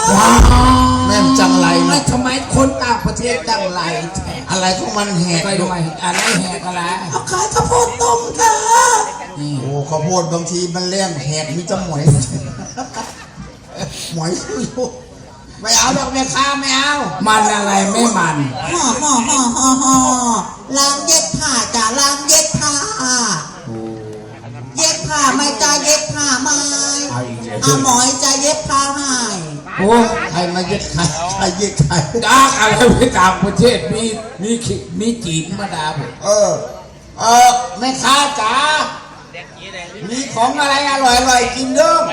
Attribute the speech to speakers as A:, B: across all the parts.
A: แม่มจังไรนะ
B: ทำไมคนต่างประเทศจังไร
A: อะไรของมันแหก
B: ไปทำไมอะไรแหกอะไร
C: เอาขายข้าวโพดต้มค่ะ
A: โอ้ข้าวโพดบางทีมันแรงแหกมีจะหมอยหมอยอยู่ไม่เอาดอกแม่ค้าไม่เอา
B: มันอะไรไม่มัน
C: ล้างเย็บผ้าจ้ะล้างเย็บผ้าเย็บผ้าไม่จ้ะเย็บผ้าไม่หมอยจะเย็บผ้าให้
B: โอ้
A: ใครมาเย็ดใครใครเย็ดใคร
B: ดาอะไรไปต่างประเทศมีจีนมาดาผม
A: แม่ค้าจ๋ามีของอะไรอร่อยกินเด้อ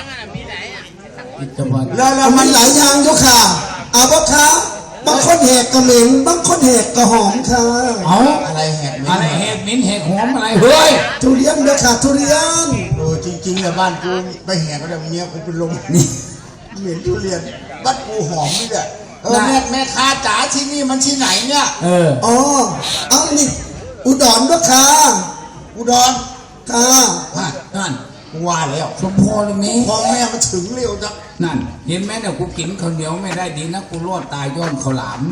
D: แล้วมันหลายอย่างอยู่ค่ะเอาบ่ค่ะบางคนแหกกระเหม็นบางคนแหกกระหอมค่ะ
A: อะไรแหก
B: อะไรแหกมิ้นแหกหอมอะไรเฮ้ย
D: ทุเรียนเด้อค่ะทุเรียน
A: จริงๆเนี่ยบ้านกูไปแหกก็ได้เมียกูเป็นลมนี่เหม็นทุเรียนบ้านกูหอมนี่แหละแม่ค้าจ๋าที่นี่มันที่ไหนเนี่ย
D: อ๋อเอานี่อุดรด้วยค่ะ
A: อุดร
D: ค่ะ
B: นั่น
A: ว่าแล้ว
B: สมพรเลยมั้ย
A: พ่อแม่มันถึงเร็วจัง
B: นั่นเห็นไหมเนี่ยกูกินข้าวเหนียวไม่ได้ดีนะกูรอดตายย้อนข้าวหลาม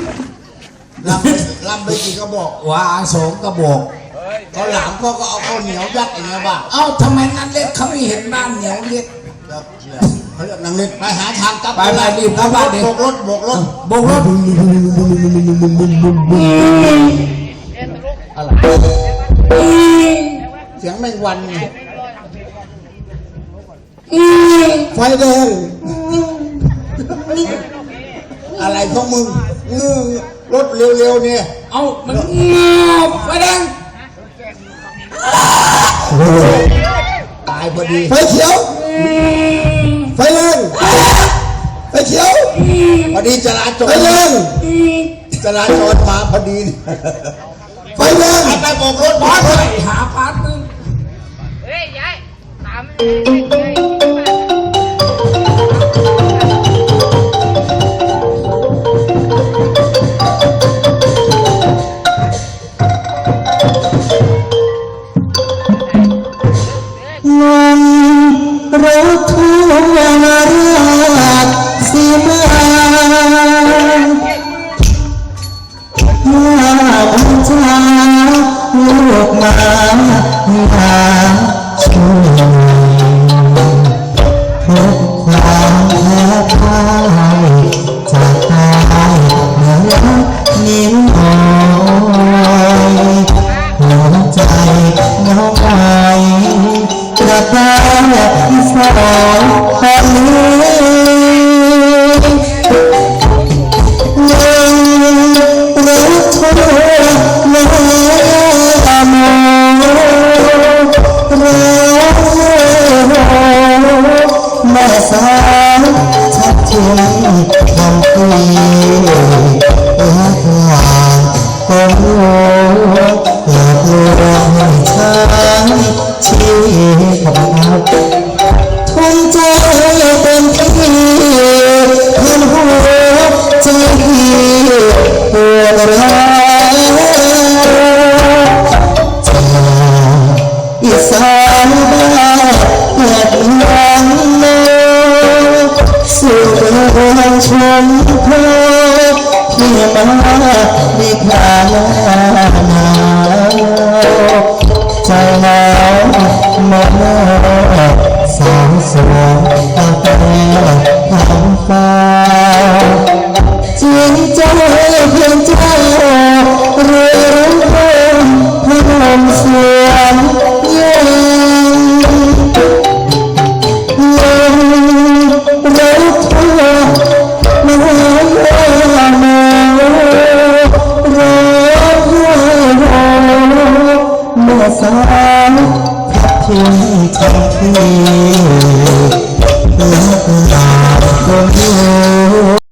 A: ลำไปกี่กระบอก
B: ว่า2 กระบอก
A: ข้าวหลามเขาก็เอาข้าวเหนียวยัดอย่างเงี้ยบ้า
B: เอ้าทำไมนั่นเล็กเขาไม่เห็นบ้านเหนียวเล็ก
A: เขาเรียกนางเล็กไปหาทางกลับ
B: ไปรีบกลับบ้านเด็ก
A: โบกรถอะไรเสียงแมงวัน
D: ไฟแดง
A: อะไรของมึงรถเร็วๆเนี่ย
B: เอามันไฟแดง
A: ตายพอดี
D: ไฟเขียวไฟแดงไฟเขียว
A: พอดีจราจร
D: ไฟแดง
A: มาพอดี
D: ไฟแดง
A: ไปโบกรถ
B: บอสไปหาพาร์ทนึง
E: เฮ้ยยายถาม
D: รถทัวร์ราชสีมาบัญชาลูกมาช่วยทุกความแพ้พ่ายจากตายเหนือนิ้มหอยหัวใจน้องไอกระตาสองคนนี้รักเธอไม่มองแม่สาวชัดเจนคำคุยรักหวานก็รู้อยากรู้ให้ฉันชีของเราทุ่มใจเต็มที่เพื่อนหัวใจพี่ปวดร้าวจากอีสานบ้านเกิดเมืองนนสู่เมืองชมพูที่มาดีพาหนาวใจหนาวมาสาวสวยตาแก้วทำฟ้าจริงใจเพียงเจ้าเรื่องพนมสวนยืนรถทัวร์มาเมื่อสาวพัดทิ้งทันที